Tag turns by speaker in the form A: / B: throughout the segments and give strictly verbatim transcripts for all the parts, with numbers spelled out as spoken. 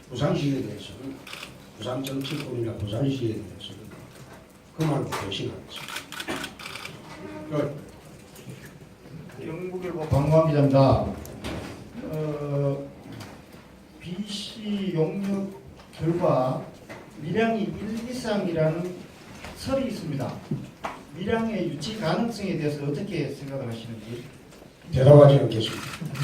A: 부산시에 대해서는 부산 정치권이나 부산시에 대해서는 그만 배신하겠습니다.
B: 경북일보 강광 기자입니다. 어, 비씨 용역 결과 밀양이 일 이상이라는 설이 있습니다. 밀양의 유치 가능성에 대해서 어떻게 생각을 하시는지.
A: 대답하지 않겠습니다.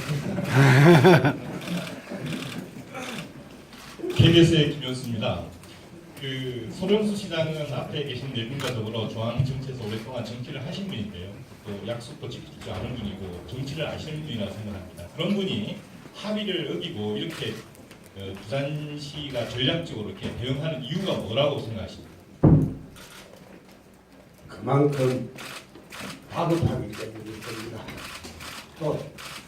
C: 케이비에스의 김현수입니다. 그 소령수 시장은 앞에 계신 네 분과 더불어 중앙정치에서 오랫동안 정치를 하신 분인데요. 또 약속도 지키지 않은 분이고 정치를 아시는 분이라고 생각합니다. 그런 분이 합의를 어기고 이렇게 어, 부산시가 전략적으로 이렇게 대응하는 이유가 뭐라고 생각하십니까?
A: 그만큼 다급하기 때문일 겁니다. 또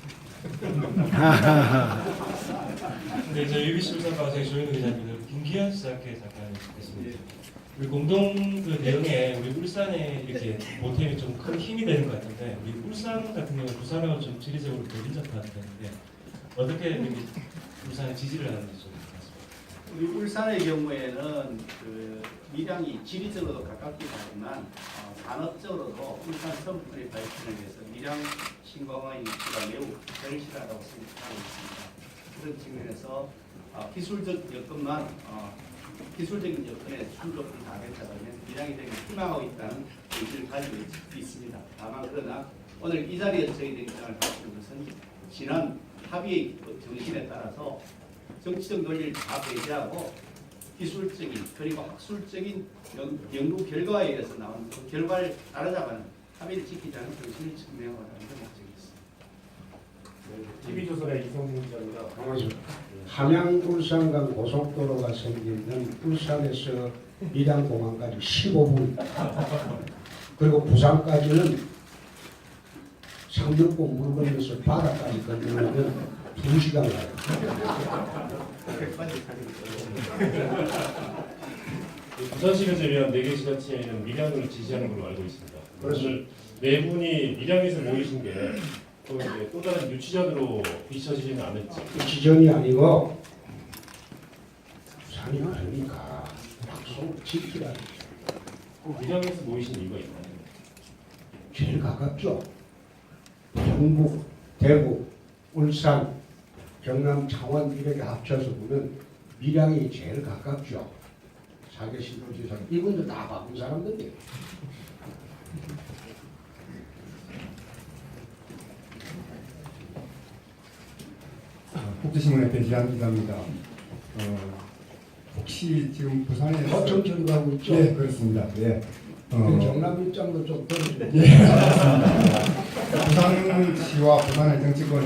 D: 네, 저희 유비씨 울산방송의 조현우 기자입니다. 김기현 시장께 잠깐 듣겠습니다. 우리 공동 그 대응에 우리 울산에 이렇게 보탬이 좀 큰 힘이 되는 것 같은데, 우리 울산 같은 경우 부산하고 좀 지리적으로 더 인접한 편인데 어떻게 이렇게 울산에 지지를 하는지 좀 말씀해
E: 우리 울산의 경우에는 그 밀양이 지리적으로도 가깝기도 하지만 어, 산업적으로도 울산 선풀의 발전을 위해서 밀양 신공항의 위치가 매우 절실하다고 생각하고 있습니다. 그런 측면에서 어, 기술적 여건만 어, 기술적인 여건에 충족을 다하겠다면 밀양이 되게 희망하고 있다는 의지를 가지고 있, 있습니다. 다만 그러나 오늘 이 자리에서 저희들의 입장을 밝히는 것은 지난 합의 정신에 따라서 정치적 논리를 다 배제하고 기술적인 그리고 학술적인 연, 연구 결과에 의해서 나온 그 결과를 따라잡아는 합의를 지키자는 정신을 증명하는 게 목적이었습니다.
F: 티비조선의 이성민 기자입니다.
A: 함양 울산간 고속도로가 생기는 울산에서 밀양공항까지 십오 분 그리고 부산까지는 상륙고 물 건너서 바다까지 건너면 두 시간 가요.
F: 부산시에서 위한 네 개 지자체에는 밀양을 지지하는 걸로 알고 있습니다. 오늘 네 분이 밀양에서 모이신 게 또 이제 또 다른 유치전으로 비춰지지는 않을지.
A: 지전이 아니고 부산이 아니니까 약속을 지키라.
F: 꼭 밀양에서 모이신 이유가 있나요?
A: 제일 가깝죠. 경북, 대구, 울산, 경남, 창원 이렇게 합쳐서 보면 밀양이 제일 가깝죠. 사계신도지사 이분들 다 바쁜 사람들이에요.
G: 국제신문의 배지한 기자입니다. 어, 혹시 지금 부산에
A: 어청천도 하고 있죠.
G: 네, 그렇습니다. 예.
A: 그
G: 어,
A: 경남 입장도 좀 들어주세요.
G: 예, 알겠습니다. 부산시와 부산의 정치권